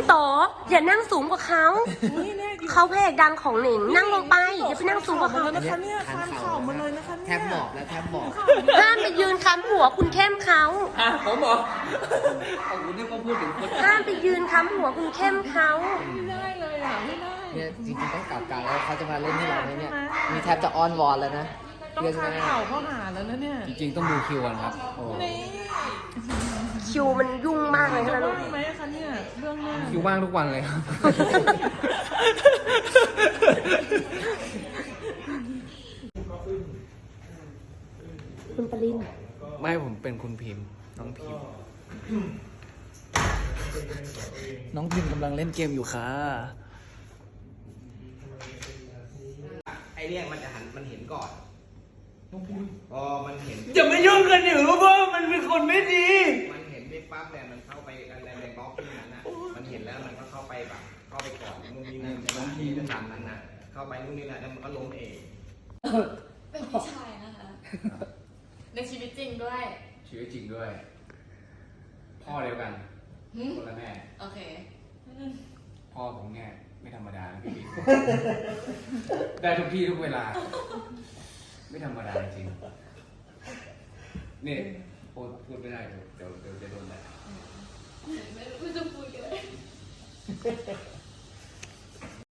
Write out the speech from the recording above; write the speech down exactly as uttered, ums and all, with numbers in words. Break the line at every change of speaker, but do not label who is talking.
โตอย่านั่งสูงกว่าเขาเขาเพลงดังของหนิงนั่งลงไปอย่าไปนั่งสูงกว่าเขา
นะคะเนี่ยคานเข่ามาเลยนะคะเนี่ย
แทบหมอบแล้วแทบหมอบ
ห้ามไปยืนค้ำหัวคุณเข้มเขา
อ่ะผมบอกเอาคุณนี่ก็พูดถึงคน
ห้ามไปยืนค้ำหัวคุณเข้มเขา
ไม่ได้เลยอ่ะไม่ได้
เนี่ยจริงๆต้องกลับกันแล้วเขาจะมาเล่นให้เราไหมเนี่ยมีแทบจะอ้อนวอนแล้วนะ
ต้องคานเข่าเข้าหาแล้วนะเนี่ย
จริงๆต้องดูคิวกันครับโอ้
นี่
คิวมันยุ่งมากเลย
จะ
นะลูก
ว่างไหมคะเนี่ยเรื่องหน้า
คิวว่างทุกวันเลยครับ
คุณปริน
ไม่ผมเป็นคุณพิมพ์น้องพิมพ์น้องพิมพ์กำลังเล่นเกมอยู่ค่ะ
ไอเนี่ยมันจะหันมันเห็นก่อนพอมันเห็น
จะไม่ยุ่งกันอยู่เพราะมันเป็นคนไม่ดี
มันเห็นไปปั๊บเนี่ยมันเข้าไปอะไรในบล็อกที่นั้นอ่ะมันเห็นแล้วมันก็เข้าไปแบบเข้าไปก่อนนู่นนี่นั่นบางทีจะทำนั้นนะเข้าไปนู่นนี่นั่นแล้วมันก็ล้มเอง
เป็นพี่ชายนะคะ ในชีวิตจริงด้วย
ชีวิตจริงด้วย พ่อเดียวกัน
หึ
คนละแม่
โอเค
พ่อผมเนี่ยไม่ธรรมดานะพี่ ได้ทุกที่ทุกเวลา ไม่ธรรมดาจริงนี่พูดพูดไม่ได้เดี๋ยวเดี๋ยวเดี๋ยวจะโดนแหละ
ไม่รู้จะพูดเลย